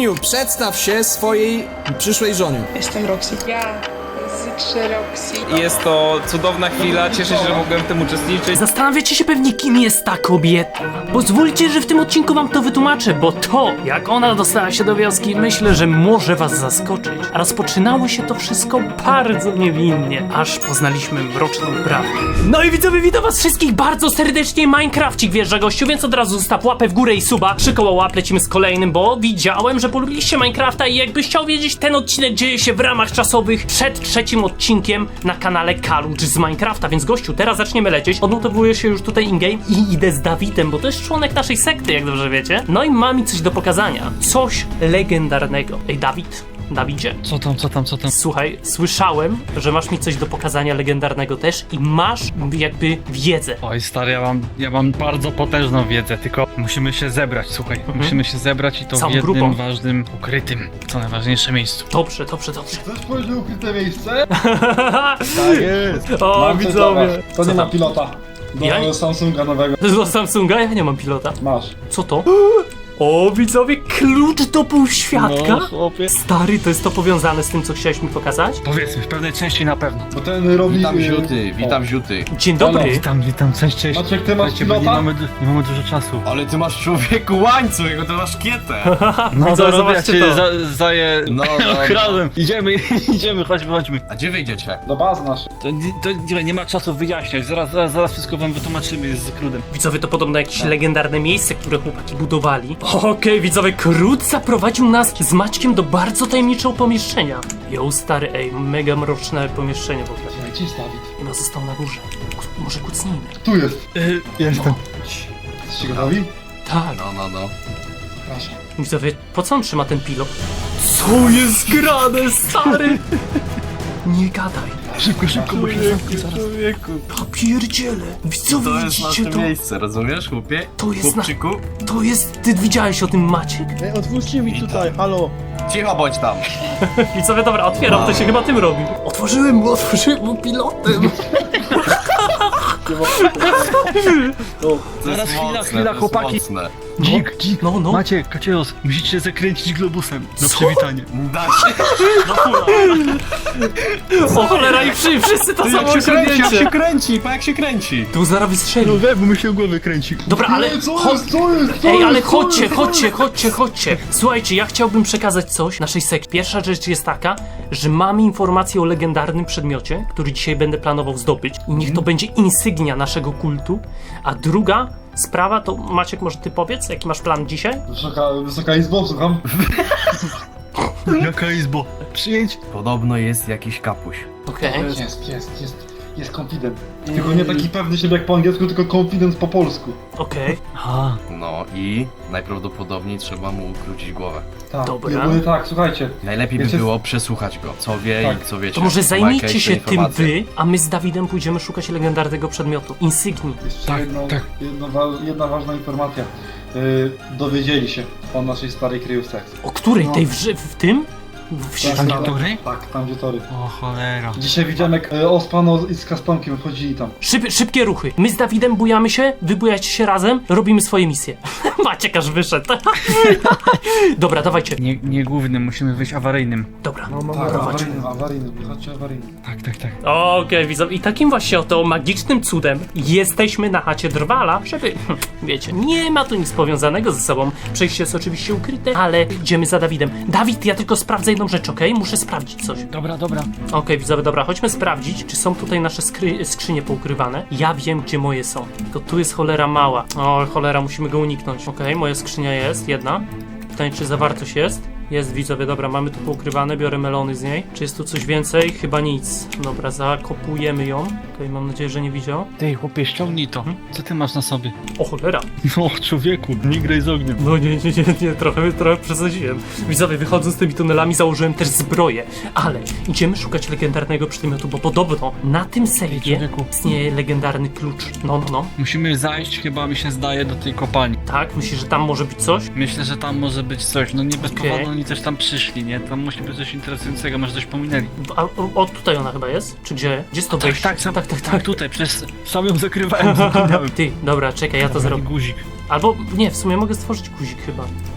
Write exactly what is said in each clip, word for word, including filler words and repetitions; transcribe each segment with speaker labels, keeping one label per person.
Speaker 1: Eniu, przedstaw się swojej przyszłej żonie.
Speaker 2: Jestem Roxy. Ja z trzy Roxy.
Speaker 3: Jest to cudowna chwila, cieszę się, że mogłem w tym uczestniczyć.
Speaker 4: Zastanawiacie się pewnie, kim jest ta kobieta. Pozwólcie, że w tym odcinku wam to wytłumaczę, bo to, jak ona dostała się do wioski, myślę, że może was zaskoczyć. A rozpoczynało się to wszystko bardzo niewinnie, aż poznaliśmy mroczną prawdę. No i widzowie, witam was wszystkich bardzo serdecznie. Minecrafcik wjeżdża gościu, więc od razu zostaw łapę w górę i suba. Trzy koła łap, lecimy z kolejnym, bo widziałem, że polubiliście Minecrafta i jakbyś chciał wiedzieć, ten odcinek dzieje się w ramach czasowych przed trzecim odcinkiem na kanale Kalucz z Minecrafta, więc gościu, teraz zaczniemy lecieć. Odnotowuję się już tutaj in-game i idę z Dawidem, bo to jest członek naszej sekty, jak dobrze wiecie. No i ma mi coś do pokazania. Coś legendarnego. Ej, Dawid, Dawidzie.
Speaker 5: Co tam, co tam, co tam?
Speaker 4: Słuchaj, słyszałem, że masz mi coś do pokazania legendarnego też i masz jakby wiedzę.
Speaker 5: Oj stary, ja mam, ja mam bardzo potężną wiedzę, tylko musimy się zebrać, słuchaj.
Speaker 4: Mhm.
Speaker 5: Musimy się zebrać i to
Speaker 4: Całą
Speaker 5: w jednym
Speaker 4: grupą.
Speaker 5: ważnym, ukrytym, co najważniejsze miejscu.
Speaker 4: Dobrze, dobrze, dobrze.
Speaker 6: Chcesz powiedzieć ukryte miejsce?
Speaker 1: Tak jest.
Speaker 4: O,
Speaker 6: Mam coś
Speaker 4: widzowie.
Speaker 6: dla was. To
Speaker 4: Co
Speaker 6: nie ma
Speaker 4: tam?
Speaker 6: pilota. Do
Speaker 4: Ja?
Speaker 6: Samsunga nowego.
Speaker 4: Do Samsunga? Ja nie mam pilota.
Speaker 6: Masz.
Speaker 4: Co to? O, widzowie, klucz do półświadka?
Speaker 5: No, chłopie.
Speaker 4: Stary, to jest to powiązane z tym, co chciałeś mi pokazać?
Speaker 5: Powiedzmy, w pewnej części na pewno.
Speaker 6: Bo ten robi...
Speaker 1: Witam
Speaker 6: y,
Speaker 1: ziuty,
Speaker 6: o.
Speaker 1: witam ziuty.
Speaker 4: Dzień dobry.
Speaker 5: Witam, witam, cześć, cześć.
Speaker 6: Maciek, ty masz
Speaker 5: Słuchajcie, bo nie
Speaker 6: pilota?
Speaker 5: mamy, du- nie mamy dużo czasu.
Speaker 1: Ale ty masz człowieku łańcuch, jego ty masz kietę.
Speaker 5: No
Speaker 4: Widzowie,
Speaker 5: dobra, ja
Speaker 4: zobaczcie
Speaker 5: cię
Speaker 4: to.
Speaker 5: za, zaję
Speaker 1: No, no, no.
Speaker 5: ochronem. Idziemy, idziemy, chodźmy, chodźmy.
Speaker 1: A gdzie wyjdziecie?
Speaker 6: Do bazy naszej.
Speaker 5: To, to nie, nie ma czasu wyjaśniać, zaraz, zaraz, zaraz wszystko wam wytłumaczymy, jest z krudem.
Speaker 4: Widzowie, to podobno jakieś legendarne miejsce, które chłopaki budowali. Okej, widzowie, Krót zaprowadził nas z Maćkiem do bardzo tajemniczego pomieszczenia. Jo, stary, ej, mega mroczne pomieszczenie w ogóle.
Speaker 6: Gdzie jest Dawid?
Speaker 4: Chyba został na górze. Ku- Może kucnijmy.
Speaker 6: Tu jest.
Speaker 5: Y, jestem.
Speaker 6: Jesteście gotowi?
Speaker 4: Tak.
Speaker 1: No, no, no.
Speaker 6: Proszę.
Speaker 4: Widzowie, po co on trzyma ten pilot? Co jest grane, stary? Nie gadaj.
Speaker 5: Szybko, szybko, bo się zamknie zaraz.
Speaker 1: Człowieku.
Speaker 4: Ja pierdzielę. Widzowie,
Speaker 1: To jest
Speaker 4: widzicie
Speaker 1: nasze
Speaker 4: to?
Speaker 1: miejsce, rozumiesz, chłopie?
Speaker 4: To jest na-
Speaker 1: Chłopczyku?
Speaker 4: To jest... Ty widziałeś o tym, Maciek?
Speaker 7: Ej, otwórzcie mi tutaj, halo!
Speaker 1: Cicho bądź tam.
Speaker 4: Widzowie, dobra, otwieram, to się chyba tym robi. Otworzyłem mu, otworzyłem mu pilotem.
Speaker 1: To
Speaker 5: Zaraz,
Speaker 1: jest
Speaker 5: chwila,
Speaker 1: mocne,
Speaker 5: chwila,
Speaker 1: to jest
Speaker 5: chłopaki.
Speaker 1: mocne.
Speaker 5: Dzik, dzik.
Speaker 4: No, no.
Speaker 5: Macie, Kacieros, musicie zakręcić globusem na
Speaker 4: Co?
Speaker 5: przywitanie.
Speaker 1: Da się.
Speaker 4: O cholera, i wszy, wszyscy to samo
Speaker 1: Jak się kręci, jak się
Speaker 4: osiągnięcie.
Speaker 1: kręci, pa jak się kręci.
Speaker 4: Tu zaraz wystrzeli.
Speaker 5: No we, bo mi się głowy kręci.
Speaker 4: Dobra, ale...
Speaker 6: Ej, co
Speaker 4: cho-
Speaker 6: jest, co jest, co
Speaker 4: Ej, ale
Speaker 6: jest, co
Speaker 4: chodźcie,
Speaker 6: jest, co
Speaker 4: chodźcie,
Speaker 6: jest?
Speaker 4: chodźcie, chodźcie. Słuchajcie, ja chciałbym przekazać coś naszej sekcji. Pierwsza rzecz jest taka, że mamy informację o legendarnym przedmiocie, który dzisiaj będę planował zdobyć i niech to będzie insygnia naszego kultu. A druga sprawa to, Maciek, może ty powiedz, jaki masz plan dzisiaj?
Speaker 6: Wysoka, Wysoka Izbo, słucham.
Speaker 5: Jaka izbo? Przyjęć?
Speaker 1: Podobno jest jakiś kapuś.
Speaker 4: Okej.
Speaker 6: Jest, jest, jest, jest, jest confident. Tylko nie taki pewny siebie jak po angielsku, tylko confident po polsku.
Speaker 4: Okej.
Speaker 5: Aha.
Speaker 1: No i najprawdopodobniej trzeba mu ukrócić głowę.
Speaker 6: Tak,
Speaker 4: Dobra.
Speaker 6: i ogólnie tak, słuchajcie.
Speaker 1: Najlepiej by
Speaker 6: Wiecie-
Speaker 1: było przesłuchać go, co wie
Speaker 6: Tak.
Speaker 1: i co wiecie.
Speaker 4: To może
Speaker 1: Ma
Speaker 4: zajmijcie
Speaker 1: jakieś
Speaker 4: się tym
Speaker 1: informacje.
Speaker 4: wy, a my z Dawidem pójdziemy szukać legendarnego przedmiotu. Insygnii.
Speaker 6: Jeszcze
Speaker 5: Tak,
Speaker 6: jedno,
Speaker 5: tak.
Speaker 6: Jedno, wa- jedna ważna informacja. Yy, dowiedzieli się o naszej starej kryjówce.
Speaker 4: O której?
Speaker 6: No.
Speaker 4: Tej w, ży- w tym? W, w,
Speaker 5: Tam, gdzie tory?
Speaker 6: Tak, tam gdzie tory.
Speaker 5: O cholera.
Speaker 6: Dzisiaj widziałem jak e, Ospano z Kastonkiem wchodzili tam.
Speaker 4: Szyb, szybkie ruchy. My z Dawidem bujamy się, wy bujacie się razem, robimy swoje misje. Maciek aż wyszedł. Dobra, dawajcie.
Speaker 5: Nie, nie głównym, musimy wyjść awaryjnym.
Speaker 4: Dobra,
Speaker 6: Tak,
Speaker 4: prowadź.
Speaker 6: awaryjny, awaryjny, chodźcie awaryjny.
Speaker 5: Tak, tak, tak.
Speaker 4: Okej, widzę. I takim właśnie oto magicznym cudem jesteśmy na chacie Drwala, żeby, hm, wiecie, nie ma tu nic powiązanego ze sobą. Przejście jest oczywiście ukryte, ale idziemy za Dawidem. Dawid, ja tylko sprawdzę jedną rzecz, okej? Muszę sprawdzić coś.
Speaker 5: Dobra, dobra.
Speaker 4: Okej, widzowie, dobra, chodźmy sprawdzić, czy są tutaj nasze skry skrzynie poukrywane. Ja wiem, gdzie moje są. Tylko tu jest cholera mała. O, cholera, musimy go uniknąć. Okej, moja skrzynia jest, jedna. Pytanie, czy zawartość jest? Jest, widzowie, dobra, mamy tu poukrywane, biorę melony z niej. Czy jest tu coś więcej? Chyba nic. Dobra, zakopujemy ją. Okej, mam nadzieję, że nie widział.
Speaker 5: Ty, chłopie, ściągnij to. Co ty masz na sobie?
Speaker 4: O, cholera.
Speaker 5: No, człowieku, nie graj z ogniem.
Speaker 4: No nie, nie, nie, nie, trochę, trochę przesadziłem. Widzowie, wychodząc z tymi tunelami założyłem też zbroję. Ale idziemy szukać legendarnego przedmiotu, bo podobno na tym sejfie
Speaker 5: człowieku.
Speaker 4: istnieje legendarny klucz. No, no, no.
Speaker 5: Musimy zajść, chyba mi się zdaje, do tej kopalni.
Speaker 4: Tak? Myślisz, że tam może być coś?
Speaker 5: Myślę, że tam może być coś. No nie bez
Speaker 4: Okej.
Speaker 5: powodu oni też tam przyszli, nie? Tam musi być coś interesującego, może coś pominęli.
Speaker 4: A, o, o, tutaj ona chyba jest? Czy gdzie? Gdzie jest to
Speaker 5: Tak,
Speaker 4: wejście?
Speaker 5: tak, sam,
Speaker 4: tak, tak,
Speaker 5: tak,
Speaker 4: tak.
Speaker 5: tutaj, przez sam ją zakrywałem, zapomniałem.
Speaker 4: Ty, dobra, czekaj, ja to zrobię.
Speaker 5: Guzik.
Speaker 4: Albo, nie, w sumie mogę stworzyć guzik chyba.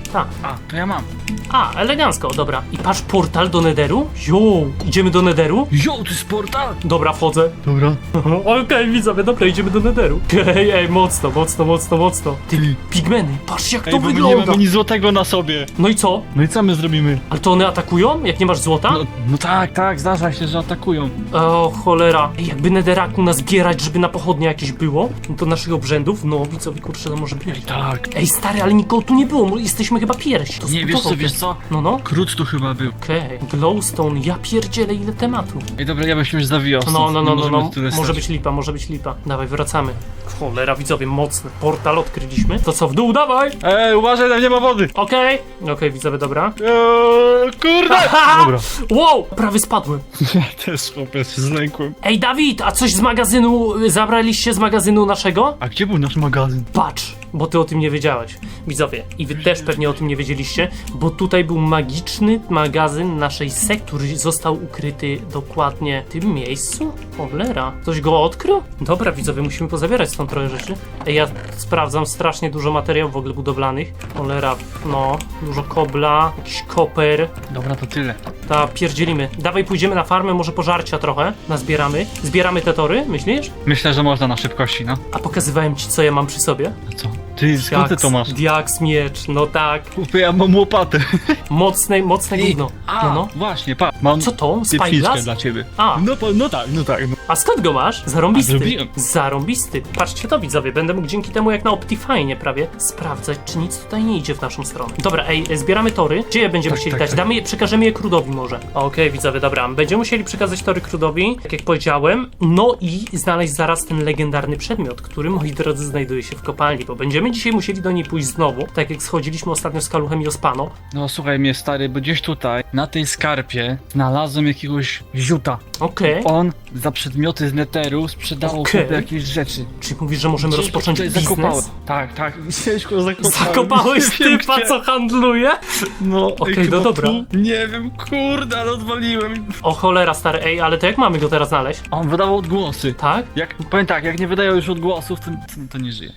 Speaker 4: Tak.
Speaker 5: A, to ja mam.
Speaker 4: A, elegancko, dobra. I patrz, portal do Netheru? Jo, idziemy do Netheru?
Speaker 5: Jo, to jest portal!
Speaker 4: Dobra, wchodzę.
Speaker 5: Dobra.
Speaker 4: Okej, okay, widzowie, dobra, idziemy do Netheru. Ej, ej, mocno, mocno, mocno, mocno. Ty, pigmeny, patrz jak to
Speaker 5: Ej, bo my nie
Speaker 4: wygląda.
Speaker 5: mamy nic złotego na sobie.
Speaker 4: No i co?
Speaker 5: No i co my zrobimy?
Speaker 4: Ale to one atakują, jak nie masz złota?
Speaker 5: No, no tak, tak, zdarza się, że atakują.
Speaker 4: O, cholera. Ej, jakby Netheraku nazbierać, żeby na pochodnie jakieś było, no to naszych obrzędów, no widzowie, kurczę, to może być.
Speaker 5: Tak.
Speaker 4: Ej, stary, ale nikogo tu nie było, mo- jesteśmy chyba pierwsi. To
Speaker 5: Nie, wiesz co,
Speaker 4: zbudował
Speaker 5: wiesz
Speaker 4: ten-
Speaker 5: co?
Speaker 4: No, no.
Speaker 5: Krót tu chyba był.
Speaker 4: Okej, glowstone, ja pierdzielę ile tematu.
Speaker 5: Ej, dobra, ja bym się już zawijał.
Speaker 4: No,
Speaker 5: stąd.
Speaker 4: no,
Speaker 5: Nie
Speaker 4: no, no,
Speaker 5: możemy
Speaker 4: no.
Speaker 5: tyle
Speaker 4: Może
Speaker 5: stać.
Speaker 4: być lipa, może być lipa. Dawaj, wracamy. Cholera, widzowie, mocny. Portal odkryliśmy. To co, w dół, dawaj!
Speaker 5: Ej, uważaj, tam nie ma wody!
Speaker 4: Okej. Okej, widzowie, dobra.
Speaker 5: Eee, kurde! Dobra.
Speaker 4: Wow, prawie spadłem.
Speaker 5: Ja też chłopie się zlękłem.
Speaker 4: Ej, Dawid, a coś z magazynu, y, zabraliście z magazynu naszego?
Speaker 5: A gdzie był nasz magazyn?
Speaker 4: Patrz, bo ty o tym nie wiedziałeś. Widzowie, i wy też pewnie o tym nie wiedzieliście, bo tutaj był magiczny magazyn naszej sekty, który został ukryty dokładnie w tym miejscu. Cholera, ktoś go odkrył? Dobra, widzowie, musimy pozabierać stąd trochę rzeczy. Ej, ja sprawdzam strasznie dużo materiałów w ogóle budowlanych. Cholera, no, dużo kobla, jakiś koper.
Speaker 5: Dobra, to tyle.
Speaker 4: Ta, pierdzielimy. Dawaj, pójdziemy na farmę, może pożarcia trochę. Nazbieramy. Zbieramy te tory, myślisz?
Speaker 5: Myślę, że można na szybkości, no.
Speaker 4: A pokazywałem ci, co ja mam przy sobie?
Speaker 5: A co? Ty, skąd ty to masz?
Speaker 4: Diaks, miecz, no tak.
Speaker 5: Chłopie, ja mam łopatę.
Speaker 4: Mocne, mocne gówno.
Speaker 5: A,
Speaker 4: No, no.
Speaker 5: właśnie, pa. Mam
Speaker 4: Co to?
Speaker 5: pieprzniczkę
Speaker 4: Spyglass?
Speaker 5: dla ciebie.
Speaker 4: A,
Speaker 5: No, po- no tak, no tak. No.
Speaker 4: a skąd go masz? Zarąbisty.
Speaker 5: A, zrobiłem.
Speaker 4: Zarąbisty. Patrzcie to, widzowie, będę mógł dzięki temu jak na Optifine prawie sprawdzać, czy nic tutaj nie idzie w naszą stronę. Dobra, ej, zbieramy tory. Gdzie je będziemy
Speaker 5: Tak,
Speaker 4: chcieli
Speaker 5: tak,
Speaker 4: dać?
Speaker 5: tak.
Speaker 4: Damy je, przekażemy je Krudowi może. Okej, widzowie, dobra. Będziemy musieli przekazać tory Krudowi, tak jak powiedziałem. No i znaleźć zaraz ten legendarny przedmiot, który, moi drodzy, znajduje się w kopalni, bo będziemy dzisiaj musieli do niej pójść znowu, tak jak schodziliśmy ostatnio z Kaluchem i Ospano.
Speaker 5: No słuchaj mnie stary, bo gdzieś tutaj, na tej skarpie, znalazłem jakiegoś ziuta.
Speaker 4: Okej.
Speaker 5: On za przedmioty z Netheru sprzedawał
Speaker 4: Okej.
Speaker 5: okay. jakieś rzeczy.
Speaker 4: Czyli mówisz, że możemy
Speaker 5: Ciężko
Speaker 4: rozpocząć
Speaker 5: tutaj
Speaker 4: biznes?
Speaker 5: zakopałem. Tak, tak. Ciężko zakopałem.
Speaker 4: Zakopałeś
Speaker 5: Nie wiem,
Speaker 4: typa,
Speaker 5: gdzie.
Speaker 4: co handluje?
Speaker 5: No,
Speaker 4: Okej,
Speaker 5: ej,
Speaker 4: no
Speaker 5: chyba
Speaker 4: dobra.
Speaker 5: tu? Nie wiem, kurde, ale odwaliłem.
Speaker 4: O cholera, stary, ej, ale to jak mamy go teraz znaleźć?
Speaker 5: A on wydawał odgłosy.
Speaker 4: Tak?
Speaker 5: Jak, powiem tak, jak nie wydają już odgłosów, to, to, to nie żyje.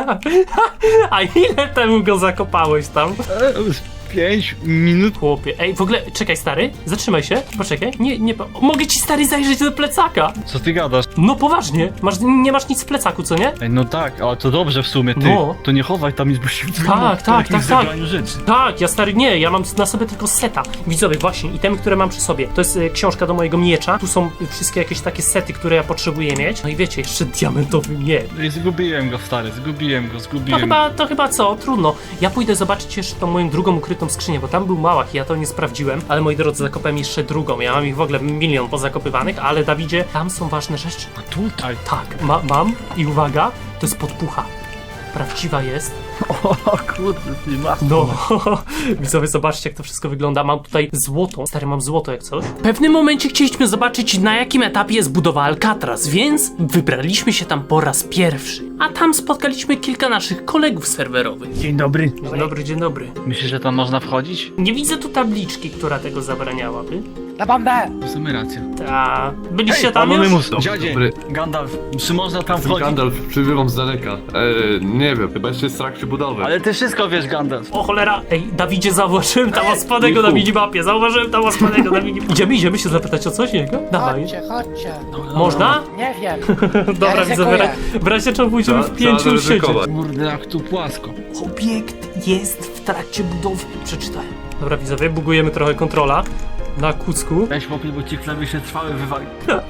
Speaker 4: A ile temu go zakopałeś tam?
Speaker 5: E, Pięć minut.
Speaker 4: Chłopie, ej, w ogóle, czekaj, stary, zatrzymaj się, poczekaj, nie, nie, po- mogę ci, stary, zajrzeć do plecaka.
Speaker 5: Co ty gadasz?
Speaker 4: No poważnie, masz, nie masz nic w plecaku, co nie?
Speaker 5: Ej, no tak, ale to dobrze w sumie, ty.
Speaker 4: No.
Speaker 5: To nie chowaj tam nic, bo się
Speaker 4: Tak, tak, tak, tak.
Speaker 5: rzeczy.
Speaker 4: Tak, ja stary, nie, ja mam na sobie tylko seta. Widzowie, właśnie, itemy, które mam przy sobie. To jest e, książka do mojego miecza. Tu są e, wszystkie jakieś takie sety, które ja potrzebuję mieć. No i wiecie, jeszcze diamentowy miecz.
Speaker 5: No i zgubiłem go, stary, zgubiłem go,
Speaker 4: To
Speaker 5: zgubiłem
Speaker 4: chyba, to chyba co, trudno. Ja pójdę zobaczyć jeszcze tą moją drugą ukrytą skrzynię, bo tam był małach i ja to nie sprawdziłem. Ale moi drodzy, zakopałem jeszcze drugą. Ja mam ich w ogóle milion pozakopywanych, ale Dawidzie, tam są ważne rzeczy.
Speaker 5: A tutaj?
Speaker 4: Tak, ma, mam i uwaga, to jest podpucha. Prawdziwa jest.
Speaker 5: O kurde, ty masz.
Speaker 4: No, widzowie, zobaczcie, jak to wszystko wygląda. Mam tutaj złoto. Stary, mam złoto jak coś. W pewnym momencie chcieliśmy zobaczyć, na jakim etapie jest budowa Alcatraz, więc wybraliśmy się tam po raz pierwszy. A tam spotkaliśmy kilka naszych kolegów serwerowych.
Speaker 5: Dzień dobry.
Speaker 4: Dzień dobry, dzień dobry.
Speaker 5: Myślisz, że tam można wchodzić?
Speaker 4: Nie widzę tu tabliczki, która tego zabraniałaby.
Speaker 5: W sumie racja.
Speaker 4: Ta... Byliście tam już?
Speaker 1: Dobry,
Speaker 5: Dziadzie,
Speaker 1: dobry.
Speaker 5: Gandalf, czy można tam wchodzić?
Speaker 1: Gandalf, przybywam z daleka. E, nie wiem, chyba jeszcze jest w trakcie budowy.
Speaker 5: Ale ty wszystko wiesz, Gandalf.
Speaker 4: O cholera, ej, Dawidzie, zauważyłem tam ospanego na
Speaker 1: Michu.
Speaker 4: minimapie, zauważyłem tam ospanego na minimapie. Idziemy, idziemy się zapytać o coś niego? Dawaj.
Speaker 8: Chodźcie, chodźcie.
Speaker 4: Można?
Speaker 8: Nie wiem.
Speaker 4: Dobra,
Speaker 8: Ja
Speaker 4: widzę, w ra-
Speaker 8: ryzykuję.
Speaker 4: w razie czego pójdziemy
Speaker 1: Trzeba-
Speaker 4: w pięciu
Speaker 1: trzeba
Speaker 4: już siedzieć.
Speaker 1: zaryzykować.
Speaker 5: Kurde, jak tu płasko.
Speaker 4: Obiekt jest w trakcie budowy. Przeczytałem. Dobra, widzowie, bugujemy trochę kontrola. Na kucku.
Speaker 5: Weź chłopie, bo ci klawisze trwały wywali.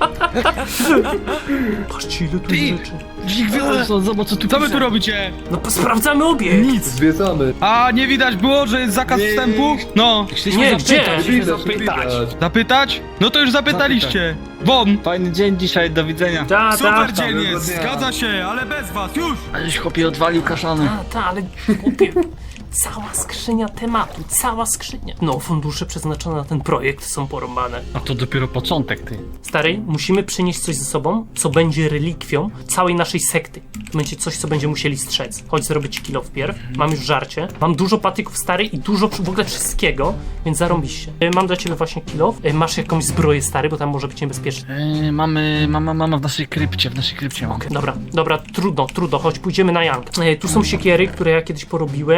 Speaker 4: Patrzcie, ile tu jest rzeczy.
Speaker 5: Dzik wyłącz, zobacz co tu
Speaker 3: Co wy
Speaker 5: pisze.
Speaker 3: tu robicie?
Speaker 4: No sprawdzamy obiekt.
Speaker 5: Nic.
Speaker 1: Zwiedzamy.
Speaker 3: A nie widać było, że jest zakaz
Speaker 5: Nie.
Speaker 3: wstępu? No.
Speaker 5: Chcieliśmy
Speaker 4: Nie,
Speaker 5: zapytać,
Speaker 4: gdzie?
Speaker 5: chcieliśmy
Speaker 1: Widać,
Speaker 5: zapytać.
Speaker 1: widać.
Speaker 3: Zapytać? No to już zapytaliście. Won!
Speaker 5: Fajny dzień dzisiaj, do widzenia.
Speaker 4: Ta, ta,
Speaker 3: Super
Speaker 4: ta,
Speaker 3: dzień jest,
Speaker 1: dnia.
Speaker 3: zgadza się, ale bez was, już!
Speaker 5: Aleś chłopie odwalił kaszany.
Speaker 4: ta, ta, ale chłopie, cała skrzynia tematu, cała skrzynia. No, fundusze przeznaczone na ten projekt są porąbane.
Speaker 5: A to dopiero początek, ty.
Speaker 4: Stary, musimy przynieść coś ze sobą, co będzie relikwią całej naszej sekty. To będzie coś, co będziemy musieli strzec. Chodź, zrobię ci kilo wpierw. Mam już żarcie. Mam dużo patyków, stary, i dużo w ogóle wszystkiego, więc zarąbiście. E, Mam dla ciebie właśnie kilo. E, Masz jakąś zbroję, stary, bo tam może być niebezpieczne.
Speaker 5: Yy, mamy, mama, mama w naszej krypcie, w naszej krypcie mam.
Speaker 4: Dobra, dobra, trudno, trudno, chodź, pójdziemy na Jank. E, tu są siekiery, które ja kiedyś porobiłem, ale one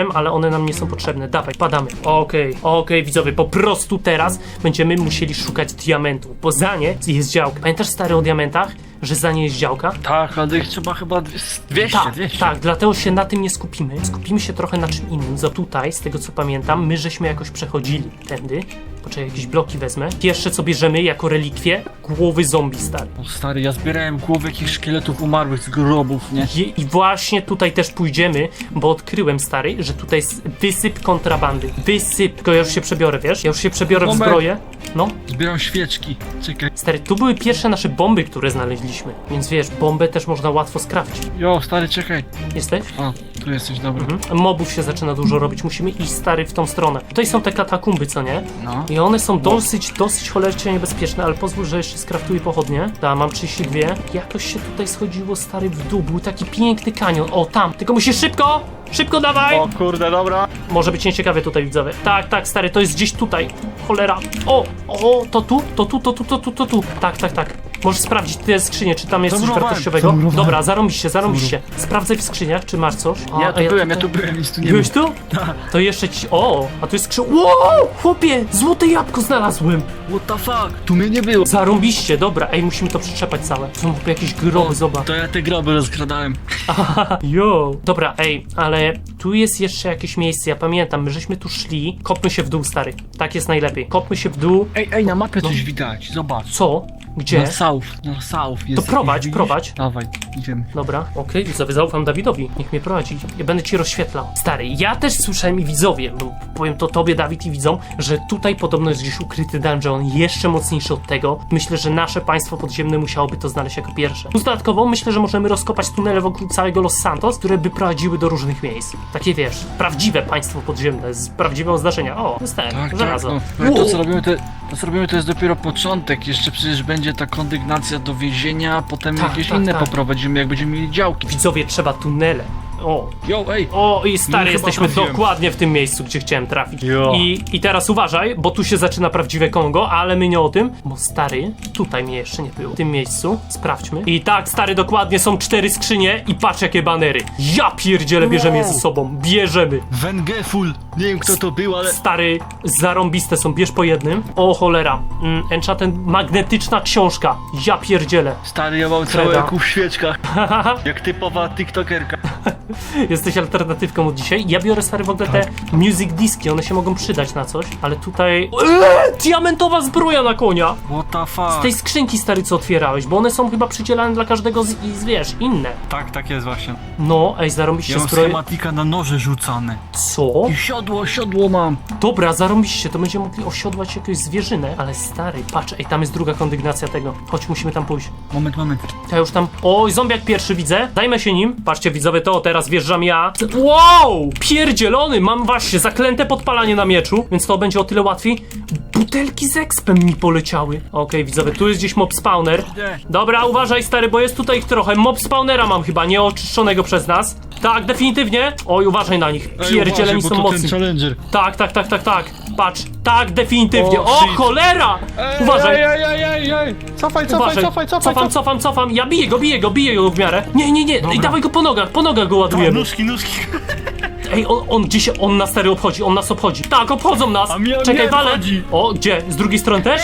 Speaker 4: one nam nie są potrzebne. Dawaj, padamy. Okej, okej, widzowie, po prostu teraz będziemy musieli szukać diamentów, bo za nie jest działka. Pamiętasz, stary, o diamentach? Że za nie jest działka?
Speaker 5: Tak, ale ich trzeba chyba dwieście,
Speaker 4: Tak,
Speaker 5: dwieście.
Speaker 4: tak, dlatego się na tym nie skupimy. Skupimy się trochę na czym innym. Za tutaj, z tego co pamiętam, my żeśmy jakoś przechodzili tędy. Poczekaj, jakieś bloki wezmę. Pierwsze co bierzemy jako relikwie, głowy zombie, stary.
Speaker 5: O stary, ja zbierałem głowy jakichś szkieletów umarłych z grobów, nie?
Speaker 4: I, I właśnie tutaj też pójdziemy, bo odkryłem, stary, że tutaj jest wysyp kontrabandy. Wysyp. Tylko ja już się przebiorę, wiesz? Ja już się przebiorę w
Speaker 5: Moment.
Speaker 4: zbroję. No,
Speaker 5: Zbieram świeczki. Czekaj.
Speaker 4: stary, tu były pierwsze nasze bomby, które znaleźliśmy. Więc wiesz, bombę też można łatwo skrawcić.
Speaker 5: Jo, stary, czekaj.
Speaker 4: Jesteś?
Speaker 5: O, tu jesteś, dobra.
Speaker 4: Mhm. Mobów się zaczyna dużo robić, musimy iść, stary, w tą stronę. Tutaj są te katakumby, co nie?
Speaker 5: No.
Speaker 4: I one są dosyć, dosyć cholernie niebezpieczne, ale pozwól, że jeszcze skraftuję pochodnie. Da, mam trzydzieści dwa. Jakoś się tutaj schodziło, stary, w dół. Był taki piękny kanion. O, tam. Tylko musisz szybko! Szybko dawaj!
Speaker 5: O kurde, dobra.
Speaker 4: Może być nieciekawie tutaj, widzowie. Tak, tak, stary, to jest gdzieś tutaj. Cholera. O, o, to tu, to tu, to tu, to tu, to tu. Tak, tak, tak. Możesz sprawdzić te skrzynie, czy tam jest coś
Speaker 5: Zamurowałem,
Speaker 4: wartościowego.
Speaker 5: zamurowałem.
Speaker 4: Dobra, zarąbiście, zarąbiście. Sprawdzaj w skrzyniach, czy masz coś. A,
Speaker 5: Ja
Speaker 4: a
Speaker 5: tu byłem, ja
Speaker 4: tutaj-
Speaker 5: tu byłem, nic tu nie
Speaker 4: Byłeś
Speaker 5: było.
Speaker 4: tu? To jeszcze ci... O, a tu jest skrzyn... Wow, chłopie, złote jabłko znalazłem.
Speaker 5: What the fuck? Tu mnie nie było.
Speaker 4: Zarąbiście, dobra, ej, musimy to przyczepać całe. Są tu jakieś groby, zobacz.
Speaker 5: To ja te groby rozkradałem.
Speaker 4: Jo. Dobra, ej, ale tu jest jeszcze jakieś miejsce, ja pamiętam, my żeśmy tu szli. Kopmy się w dół, stary. Tak jest najlepiej. Kopmy się w dół.
Speaker 5: Ej, ej, na mapie coś widać, zobacz.
Speaker 4: Co? Gdzie?
Speaker 5: Na south, na south jest.
Speaker 4: To prowadź,
Speaker 5: widzisz?
Speaker 4: prowadź.
Speaker 5: Dawaj, idziemy.
Speaker 4: Dobra, okej, widzowie, zaufam Dawidowi. Niech mnie prowadzi. Ja będę ci rozświetlał. Stary, ja też słyszałem i widzowie, no, powiem to tobie, Dawid, i widzom, że tutaj podobno jest gdzieś ukryty dungeon, jeszcze mocniejszy od tego. Myślę, że nasze państwo podziemne musiałoby to znaleźć jako pierwsze. Plus dodatkowo myślę, że możemy rozkopać tunele wokół całego Los Santos, które by prowadziły do różnych miejsc. Takie, wiesz, prawdziwe państwo podziemne, z prawdziwego zdarzenia. O, dostałem,
Speaker 5: Tak, tak,
Speaker 4: żelazo.
Speaker 5: no. Ale to co robimy, to, to co robimy to jest dopiero początek. Jeszcze przecież będzie ta kondygnacja do więzienia, a potem
Speaker 4: Tak,
Speaker 5: jakieś
Speaker 4: tak,
Speaker 5: inne
Speaker 4: tak.
Speaker 5: poprowadzimy, jak będziemy mieli działki.
Speaker 4: Widzowie, trzeba tunele. O,
Speaker 5: Jo, ej!
Speaker 4: O, i stary,
Speaker 5: No, chyba
Speaker 4: jesteśmy
Speaker 5: trafiłem.
Speaker 4: dokładnie w tym miejscu, gdzie chciałem trafić.
Speaker 5: Jo.
Speaker 4: I, I teraz uważaj, bo tu się zaczyna prawdziwe Kongo, ale my nie o tym, bo stary, tutaj mnie jeszcze nie było. W tym miejscu, sprawdźmy. I tak, stary, dokładnie są cztery skrzynie i patrz jakie banery. Ja pierdzielę, bierzemy je ze sobą, bierzemy.
Speaker 5: Wengeful! Nie wiem kto to był, ale...
Speaker 4: Stary, zarąbiste są, bierz po jednym. O cholera, mm, enchanted, magnetyczna książka. Ja pierdzielę.
Speaker 5: Stary, ja mam
Speaker 4: Kreda.
Speaker 5: całe ku w świeczkach. Jak typowa tiktokerka.
Speaker 4: Jesteś alternatywką od dzisiaj. Ja biorę, stary, w ogóle te music diski, one się mogą przydać na coś, ale tutaj... Eee, diamentowa zbroja na konia!
Speaker 5: What the
Speaker 4: Z
Speaker 5: fuck?
Speaker 4: tej skrzynki, stary, co otwierałeś, bo one są chyba przydzielane dla każdego z, i z wiesz, inne.
Speaker 5: Tak, tak jest właśnie.
Speaker 4: No, ej, zarąbiście
Speaker 5: Ja mam
Speaker 4: zbroję.
Speaker 5: schematika na noże rzucane.
Speaker 4: Co?
Speaker 5: I siodło, siodło mam.
Speaker 4: Dobra, zarąbiście, to będziemy mogli osiodłać jakąś zwierzynę, ale stary, patrz, ej, tam jest druga kondygnacja tego. Chodź, musimy tam pójść.
Speaker 5: Moment, moment.
Speaker 4: Ja już tam... Oj, zombiak pierwszy widzę. Dajmy się nim. Patrzcie, widzowie, to teraz wjeżdżam ja. Wow! Pierdzielony! Mam właśnie zaklęte podpalanie na mieczu, więc to będzie o tyle łatwiej. Butelki z expem mi poleciały. Okej, widzowie, tu jest gdzieś mob spawner. Dobra, uważaj, stary, bo jest tutaj ich trochę. Mob spawnera mam chyba, nieoczyszczonego przez nas. Tak, definitywnie. Oj, uważaj na nich. Pierdzieleni są mocni.
Speaker 5: challenger.
Speaker 4: Tak, tak, tak, tak, tak. Patrz. Tak, definitywnie.
Speaker 5: O,
Speaker 4: O,
Speaker 5: shit.
Speaker 4: cholera! Uważaj.
Speaker 7: Ej, ej, ej, ej, ej! Cofaj, cofaj,
Speaker 4: Uważaj.
Speaker 7: cofaj, cofaj,
Speaker 4: Cofam,
Speaker 7: cofaj!
Speaker 4: cofam, cofam. Ja biję go, biję go, biję go w miarę. Nie, nie, nie. Ej, dawaj go po nogach, po nogach go ładujemy.
Speaker 5: Nóżki, nóżki.
Speaker 4: Ej, on, on gdzieś, on nas stary obchodzi, on nas obchodzi. Tak, obchodzą nas.
Speaker 5: A mnie-
Speaker 4: Czekaj,
Speaker 5: mnie
Speaker 4: walę.
Speaker 5: obchodzi.
Speaker 4: O, gdzie? Z drugiej strony też?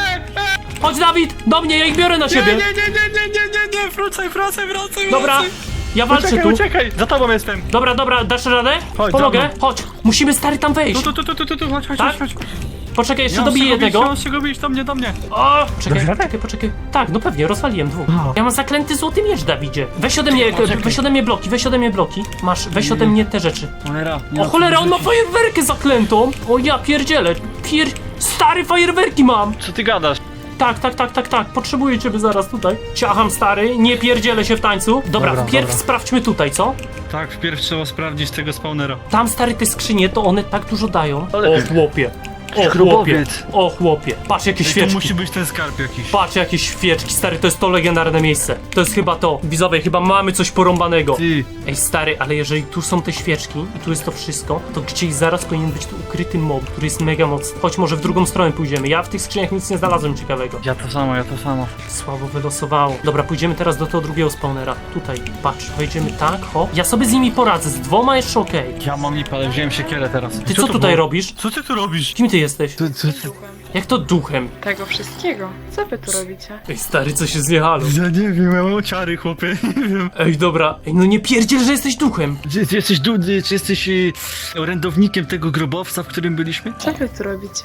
Speaker 4: Chodź, Dawid, do mnie, ja ich biorę na ciebie.
Speaker 5: Nie, nie, nie, nie, nie, nie, nie, wracaj, wracaj, wracaj,
Speaker 4: Dobra, ja walczę
Speaker 5: Uciekaj,
Speaker 4: tu.
Speaker 5: uciekaj, za tobą jestem.
Speaker 4: Dobra, dobra, dasz radę?
Speaker 5: Chodź,
Speaker 4: Pomogę,
Speaker 5: za mną.
Speaker 4: chodź. Musimy, stary, tam wejść.
Speaker 5: Tu, tu, tu, tu, tu, tu, chodź, chodź,
Speaker 4: Tak?
Speaker 5: chodź, chodź.
Speaker 4: Poczekaj, jeszcze
Speaker 5: Ja
Speaker 4: dobiję
Speaker 5: mam z czego bić,
Speaker 4: jednego.
Speaker 5: ja mam z czego bić, do mnie, do mnie.
Speaker 4: O, czekaj, poczekaj, poczekaj. Tak, no pewnie, rozwaliłem dwóch. Ja mam zaklęty złoty miecz, Dawidzie. Weź ode mnie, weź ode mnie bloki, weź ode mnie bloki. Masz, weź ode mnie te rzeczy.
Speaker 5: Cholera. nie
Speaker 4: O
Speaker 5: ma
Speaker 4: cholera,
Speaker 5: co
Speaker 4: on ma
Speaker 5: rzucić.
Speaker 4: fajerwerkę zaklętą. O ja pierdzielę. Pier... Stary, fajerwerki mam.
Speaker 5: Co ty gadasz?
Speaker 4: Tak, tak, tak, tak, tak. Potrzebuję ciebie zaraz tutaj. Ciacham, stary, nie pierdzielę się w tańcu. Dobra,
Speaker 7: Dobra,
Speaker 4: wpierw
Speaker 7: dobra.
Speaker 4: sprawdźmy tutaj, co?
Speaker 5: Tak, wpierw trzeba sprawdzić tego spawnera.
Speaker 4: Tam, stary, te skrzynie, to one tak dużo dają.
Speaker 5: Ale-
Speaker 4: O chłopie. chłopie,
Speaker 5: Grobowiec.
Speaker 4: o chłopie, patrz jakie
Speaker 3: To
Speaker 4: świeczki.
Speaker 3: musi być ten skarb jakiś.
Speaker 4: Patrz jakie świeczki, stary, to jest to legendarne miejsce. To jest chyba to. Widzowie, chyba mamy coś porąbanego.
Speaker 5: Ty,
Speaker 4: Ej, stary, ale jeżeli tu są te świeczki i tu jest to wszystko, to gdzieś zaraz powinien być tu ukryty mob, który jest mega mocny. Choć może w drugą stronę pójdziemy. Ja w tych skrzyniach nic nie znalazłem ciekawego.
Speaker 5: ja to samo, ja to samo.
Speaker 4: Słabo wylosowało. Dobra, pójdziemy teraz do tego drugiego spawnera. Tutaj, patrz, wejdziemy tak, hop. Ja sobie z nimi poradzę, z dwoma jeszcze okej.
Speaker 5: Ja mam lipę, ale wziąłem siekierę teraz.
Speaker 4: Ty co tutaj robisz?
Speaker 3: Co ty tu robisz?
Speaker 4: Kim ty jesteś?
Speaker 5: Co, co, co?
Speaker 4: Jak to duchem?
Speaker 2: Tego wszystkiego. Co wy tu robicie?
Speaker 4: Ej, stary, co się zjechało?
Speaker 3: Ja nie wiem, ja mam ciary, chłopie, nie wiem.
Speaker 4: Ej, dobra. Ej, no nie pierdziel, że jesteś duchem.
Speaker 5: Czy, czy jesteś dudy, czy jesteś y, orędownikiem tego grobowca, w którym byliśmy?
Speaker 2: Co wy tu robicie?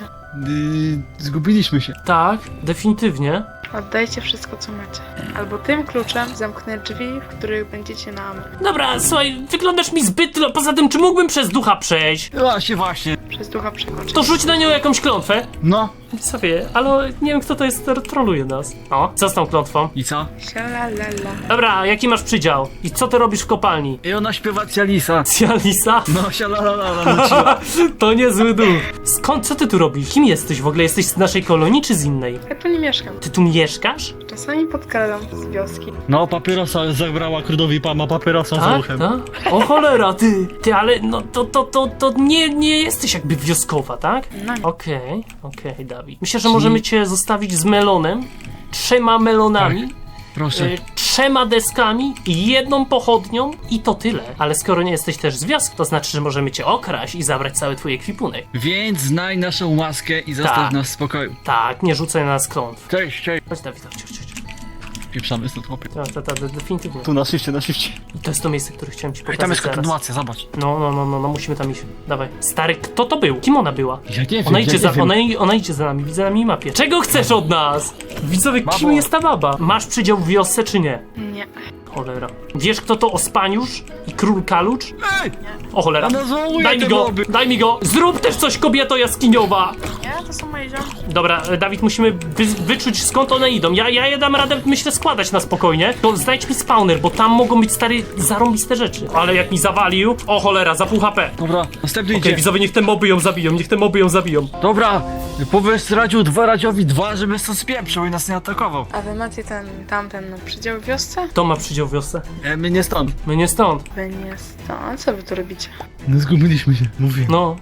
Speaker 5: Y, zgubiliśmy się.
Speaker 4: Tak, definitywnie.
Speaker 2: Oddajcie wszystko, co macie. Albo tym kluczem zamknę drzwi, w których będziecie na amen.
Speaker 4: Dobra, słuchaj, wyglądasz mi zbyt... lo- Poza tym, czy mógłbym przez ducha przejść?
Speaker 5: Właśnie, właśnie.
Speaker 2: Przez ducha przekoczyć.
Speaker 4: To rzuć na nią jakąś klątwę.
Speaker 5: No.
Speaker 4: Sobie, ale nie wiem, kto to jest, który troluje nas. O, co z tą klątwą?
Speaker 5: I co?
Speaker 2: Sialalala.
Speaker 4: Dobra, jaki masz przydział? I co ty robisz w kopalni?
Speaker 5: I ona śpiewa Cialisa.
Speaker 4: Cialisa?
Speaker 5: No, sialalala, nuciła.
Speaker 4: To niezły duch. Skąd, co ty tu robisz? Kim jesteś w ogóle? Jesteś z naszej kolonii czy z innej?
Speaker 2: Ja tu nie mieszkam.
Speaker 4: Ty tu mieszkasz?
Speaker 2: Czasami podkradam z wioski.
Speaker 3: No, papierosa zabrała królowi Pama, papierosa za
Speaker 4: Tak,
Speaker 3: uchem.
Speaker 4: tak? O cholera, ty! Ty, ale no to, to, to, to nie, nie jesteś jakby wioskowa, tak?
Speaker 2: No.
Speaker 4: Okej, okej, Dawid. Myślę, że możemy cię zostawić z melonem, trzema melonami,
Speaker 5: Proszę.
Speaker 4: y, trzema deskami, jedną pochodnią i to tyle. Ale skoro nie jesteś też z wioski, to znaczy, że możemy cię okraść i zabrać cały twój ekwipunek.
Speaker 5: Więc znaj naszą łaskę i zostaw
Speaker 4: Tak.
Speaker 5: nas w spokoju.
Speaker 4: Tak, nie rzucaj na nas klątw.
Speaker 5: Cześć, cześć.
Speaker 4: Chodź, Dawid, chodź, chodź, chodź.
Speaker 5: Pieprzamy stąd, chłopie.
Speaker 4: Tak, tak, tak, definitywnie.
Speaker 5: Tu na shifcie, na shifcie.
Speaker 4: I to jest to miejsce, które chciałem ci
Speaker 5: Ej,
Speaker 4: pokazać
Speaker 5: tam jest
Speaker 4: zaraz.
Speaker 5: kontynuacja, zobacz.
Speaker 4: No, no, no, no, no, musimy tam iść. Dawaj. Stary, kto to był? Kim ona była?
Speaker 5: Ja nie wiem,
Speaker 4: Ona
Speaker 5: ja
Speaker 4: idzie,
Speaker 5: nie
Speaker 4: za,
Speaker 5: wiem.
Speaker 4: ona, ona idzie za nami, widzę na minimapie. Czego chcesz od nas? Widzowie, kim
Speaker 5: Babo.
Speaker 4: jest ta baba? Masz przydział w wiosce, czy nie?
Speaker 2: Nie.
Speaker 4: Cholera. Wiesz, kto to Ospaniusz i Król Kalucz?
Speaker 5: Ej!
Speaker 4: O cholera.
Speaker 5: Ona zwołuje
Speaker 4: Daj mi
Speaker 5: te
Speaker 4: go,
Speaker 5: moby.
Speaker 4: daj mi go. Zrób też coś, kobieto jaskiniowa.
Speaker 2: Nie, to są moje ziomki.
Speaker 4: Dobra, e, Dawid, musimy wy, wyczuć, skąd one idą. Ja, ja je dam radę, myślę, składać na spokojnie. To znajdź mi spawner, bo tam mogą być, stary, zarąbiste rzeczy. Ale jak mi zawalił... O cholera, za pół H P.
Speaker 5: Dobra, następny
Speaker 4: Okej,
Speaker 5: idzie.
Speaker 4: widzowie, niech te moby ją zabiją, niech te moby ją zabiją.
Speaker 5: Dobra, powiedz Radziu dwa, Radziowi dwa, żeby stąd spieprzył i nas nie atakował.
Speaker 2: A wy macie ten, tamten no, przydział w wiosce?
Speaker 4: Kto ma przydział w wiosce?
Speaker 5: E, my nie stąd.
Speaker 4: My nie stąd.
Speaker 2: Wy nie stąd. A co wy tu robicie?
Speaker 5: No zgubiliśmy się, mówię.
Speaker 4: No.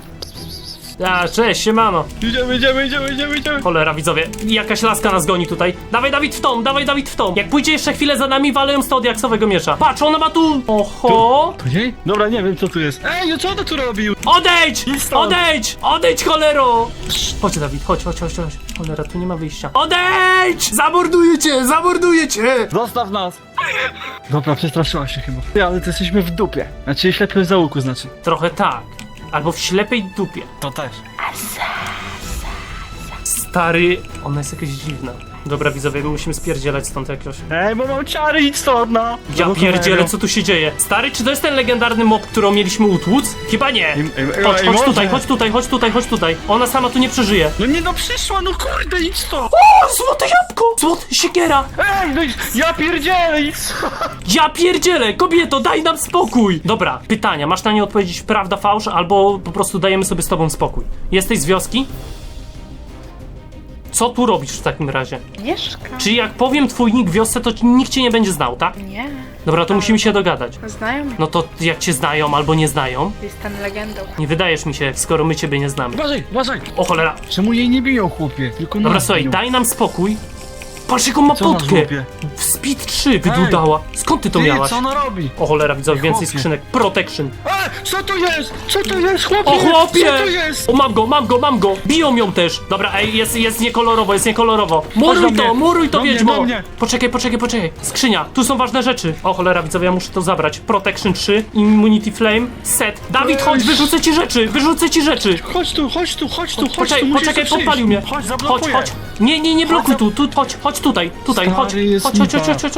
Speaker 4: A, cześć, siemano.
Speaker 5: Idziemy, idziemy, idziemy, idziemy, idziemy.
Speaker 4: Cholera, widzowie, jakaś laska nas goni tutaj. Dawaj, Dawid, w tą, dawaj, Dawid, w tą. Jak pójdzie jeszcze chwilę za nami, walę ją z tego diaksowego miecza. Patrz, ona ma tu... Oho!
Speaker 5: To jej? Dobra, nie wiem co tu jest. Ej, co on tu robił?
Speaker 4: Odejdź!
Speaker 5: Idź stąd.
Speaker 4: Odejdź! Odejdź, cholero! Chodź, Dawid, chodź, chodź, chodź, chodź. Cholera, tu nie ma wyjścia. Odejdź! Zamorduję cię, zamorduję cię!
Speaker 5: Zostaw nas. Dobra, przestraszyła się chyba. Ty, ale to jesteśmy w dupie. Znaczy ślepym załuku, znaczy.
Speaker 4: Trochę tak. Albo w ślepej dupie.
Speaker 5: To też.
Speaker 4: Stary, ona jest jakaś dziwna. Dobra, widzowie, my musimy spierdzielać stąd jakoś.
Speaker 5: Ej, bo mam czary, idź stąd, no.
Speaker 4: Ja
Speaker 5: Do
Speaker 4: pierdzielę,
Speaker 5: kamery.
Speaker 4: co tu się dzieje? Stary, czy to jest ten legendarny mob, którą mieliśmy utłuc? Chyba nie.
Speaker 5: Ej, ej,
Speaker 4: Chodź,
Speaker 5: ej,
Speaker 4: chodź
Speaker 5: może.
Speaker 4: tutaj, chodź tutaj, chodź tutaj, chodź tutaj. Ona sama tu nie przeżyje.
Speaker 5: No nie no, przyszła, no kurde, idź stąd.
Speaker 4: O, złote jabłko! Złote siekiera!
Speaker 5: Ej, no idź, ja pierdzielę, idź stąd.
Speaker 4: Ja pierdzielę! Kobieto, daj nam spokój! Dobra, pytania. Masz na nie odpowiedzieć prawda, fałsz, albo po prostu dajemy sobie z tobą spokój. Jesteś z wioski? Co tu robisz w takim razie?
Speaker 2: Mieszkam.
Speaker 4: Czy jak powiem twój nick w wiosce, to nikt cię nie będzie znał, tak?
Speaker 2: Nie.
Speaker 4: Dobra, to musimy się dogadać.
Speaker 2: Znają mnie.
Speaker 4: No to jak cię znają albo nie znają,
Speaker 2: Jestem legendą.
Speaker 4: nie wydajesz mi się, skoro my ciebie nie znamy.
Speaker 5: Uważaj, uważaj.
Speaker 4: O cholera.
Speaker 5: Czemu jej nie biją, chłopie? Tylko
Speaker 4: Dobra,
Speaker 5: nas
Speaker 4: słuchaj,
Speaker 5: biją.
Speaker 4: daj nam spokój. Patrz, jaką ma
Speaker 5: Co ona
Speaker 4: potkę.
Speaker 5: złapie?
Speaker 4: W Speed trzy wydudała. Skąd ty to
Speaker 5: Ty,
Speaker 4: miałaś?
Speaker 5: co ona robi?
Speaker 4: O cholera, widzę więcej
Speaker 5: Chłopie.
Speaker 4: skrzynek. Protection.
Speaker 5: Ej, co to jest? Co to jest, chłopie?
Speaker 4: O chłopie!
Speaker 5: Co to jest?
Speaker 4: O, mam go, mam go, mam go! Biją ją też! Dobra, ej, jest, jest niekolorowo, jest niekolorowo.
Speaker 5: do
Speaker 4: Muruj
Speaker 5: mnie.
Speaker 4: to, muruj to,
Speaker 5: Do mnie,
Speaker 4: wiedźmo!
Speaker 5: do mnie.
Speaker 4: Poczekaj, poczekaj, poczekaj. Skrzynia, tu są ważne rzeczy. O cholera, widzowie, ja muszę to zabrać. Protection trzy, Immunity Flame, set. Dawid,
Speaker 5: Ej.
Speaker 4: chodź, wyrzucę ci rzeczy, wyrzucę ci rzeczy!
Speaker 5: Chodź tu, chodź tu, chodź tu, chodź
Speaker 4: Poczekaj,
Speaker 5: tu, musisz
Speaker 4: poczekaj,
Speaker 5: tu przyjść.
Speaker 4: podpalił mnie.
Speaker 5: Chodź,
Speaker 4: Chodź,
Speaker 5: zablokuję.
Speaker 4: chodź. Nie, nie, nie blokuj tu, tu, chodź, chodź tutaj, tutaj,
Speaker 5: Stary,
Speaker 4: chodź.
Speaker 5: jest
Speaker 4: Chodź, chodź, chodź,
Speaker 5: lipa.
Speaker 4: chodź, chodź, chodź.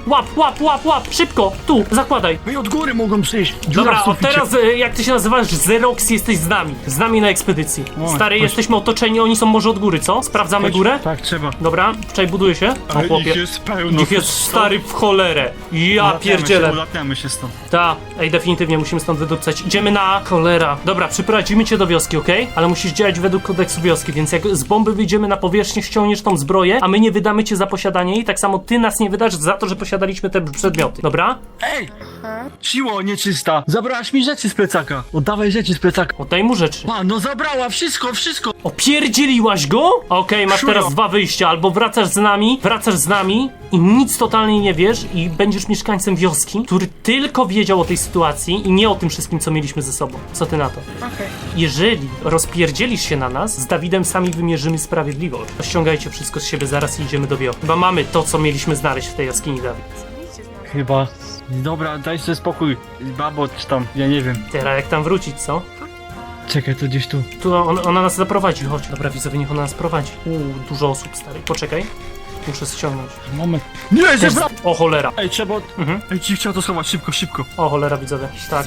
Speaker 4: Łap, łap, łap, łap, szybko, tu, zakładaj.
Speaker 5: No i od góry mogą przyjść. Dziura
Speaker 4: Dobra,
Speaker 5: w
Speaker 4: od
Speaker 5: suficie.
Speaker 4: teraz, e, jak ty się nazywasz, Xerox, jesteś z nami. Z nami na ekspedycji.
Speaker 5: O,
Speaker 4: Stary,
Speaker 5: chodź.
Speaker 4: jesteśmy otoczeni, oni są może od góry, co? Sprawdzamy górę?
Speaker 5: Tak, trzeba.
Speaker 4: Dobra, wczoraj buduje się. O
Speaker 5: Ale
Speaker 4: chłopie.
Speaker 5: ich jest pełno.
Speaker 4: Ich jest stary w cholerę. Ja
Speaker 5: Ulatniamy
Speaker 4: pierdzielę.
Speaker 5: się, ulatniamy się stąd.
Speaker 4: Ta, ej, definitywnie musimy stąd wydupcać. Idziemy na cholera. Dobra, przyprowadzimy cię do wioski, okej? Ale musisz działać według kodeksu wioski, więc jak z bomby wyjdziemy na powierzchnię, ściągniesz tą zbroję, a my nie wydamy cię za posiadanie jej, tak samo ty nas nie wydasz za to, że posiadaliśmy te przedmioty. Dobra?
Speaker 5: Ej! Siło nieczysta! Zabrałaś mi rzeczy z plecaka! Oddawaj rzeczy z plecaka!
Speaker 4: Oddaj mu rzeczy.
Speaker 5: A, no zabrała wszystko, wszystko!
Speaker 4: Opierdzieliłaś go? Okej, masz
Speaker 5: Szujo.
Speaker 4: teraz dwa wyjścia. Albo wracasz z nami, wracasz z nami i nic totalnie nie wiesz i będziesz mieszkańcem wioski, który tylko wiedział o tej sytuacji i nie o tym wszystkim, co mieliśmy ze sobą. Co ty na to?
Speaker 2: Okej.
Speaker 4: Jeżeli rozpierdzielisz się na nas, z Dawidem sami wymierzymy sprawiedliwość. Ściągajcie wszystko z siebie zaraz i idziemy do wioski. Chyba mamy to, co mieliśmy znaleźć w tej jaskini, Dawid.
Speaker 2: Idźcie z nami.
Speaker 5: Chyba. Dobra, daj sobie spokój. Babo, czy tam, ja nie wiem.
Speaker 4: Teraz jak tam wrócić, co?
Speaker 5: Czekaj, to gdzieś tu.
Speaker 4: Tu on, ona nas zaprowadzi, chodź. Dobra, widzowie, niech ona nas prowadzi. Uuu, dużo osób, stary. Poczekaj. Muszę ściągnąć.
Speaker 5: Moment. Nie,
Speaker 4: Też...
Speaker 5: zebra!
Speaker 4: O cholera.
Speaker 5: Ej, trzeba...
Speaker 4: Mhm.
Speaker 5: Ej, ci chciał to schować, szybko, szybko.
Speaker 4: O cholera, widzowie. Tak.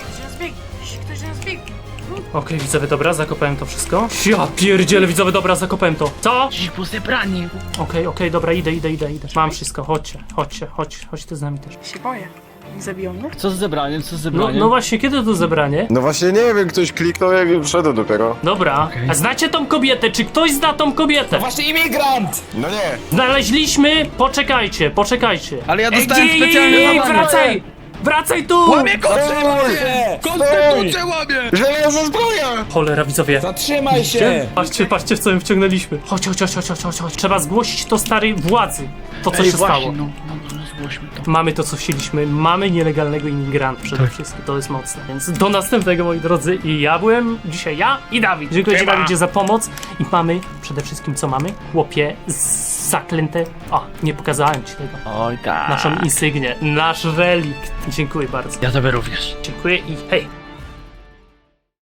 Speaker 2: Ktoś nas biegnie.
Speaker 4: Okej, widzowie, dobra, zakopałem to wszystko. Ja pierdzielę, widzowie, dobra, zakopałem to. Co?
Speaker 5: Dziś po zebranie.
Speaker 4: Okej, okej, dobra, idę, idę, idę, idę. Mam wszystko, chodźcie, chodźcie, chodź, chodź ty z nami też.
Speaker 2: Się boję. Nie zabiją mnie?
Speaker 5: Co z zebraniem, co z
Speaker 4: No,
Speaker 5: zebraniem?
Speaker 4: no właśnie, kiedy to zebranie?
Speaker 8: No właśnie nie wiem, ktoś kliknął, jak wszedł dopiero.
Speaker 4: Dobra,
Speaker 5: Okej.
Speaker 4: a znacie tą kobietę? Czy ktoś zna tą kobietę?
Speaker 3: Właśnie imigrant!
Speaker 8: No nie.
Speaker 4: Znaleźliśmy, poczekajcie, poczekajcie.
Speaker 3: Ale ja
Speaker 4: Ej,
Speaker 3: dostałem
Speaker 4: gdzie-
Speaker 3: specjalnie
Speaker 4: ej,
Speaker 3: zadanie.
Speaker 4: wracaj! Wracaj tu!
Speaker 3: Łamie konstytucję! Konstytucję łamie!
Speaker 8: Żelazna zbroja!
Speaker 4: Cholera, widzowie.
Speaker 3: Zatrzymaj się!
Speaker 4: Patrzcie, patrzcie, w co im wciągnęliśmy. Chodź, chodź, chodź, chodź, chodź, chodź. Trzeba zgłosić to starej władzy. To, co
Speaker 5: Ej,
Speaker 4: się
Speaker 5: właśnie,
Speaker 4: stało.
Speaker 5: no, no, no, zgłośmy to.
Speaker 4: Mamy to, co chcieliśmy. Mamy nielegalnego imigranta przede
Speaker 5: Tak.
Speaker 4: wszystkim. To jest mocne. Więc do następnego, moi drodzy. I ja byłem dzisiaj ja i Dawid. Dziękuję ci, Dawidzie, za pomoc. I mamy przede wszystkim, co mamy? Chłopie, z- zaklęte... O, nie pokazałem ci tego.
Speaker 5: Oj tak.
Speaker 4: Naszą insygnię, nasz relikt. Dziękuję bardzo.
Speaker 5: Ja tobie również.
Speaker 4: Dziękuję i hej.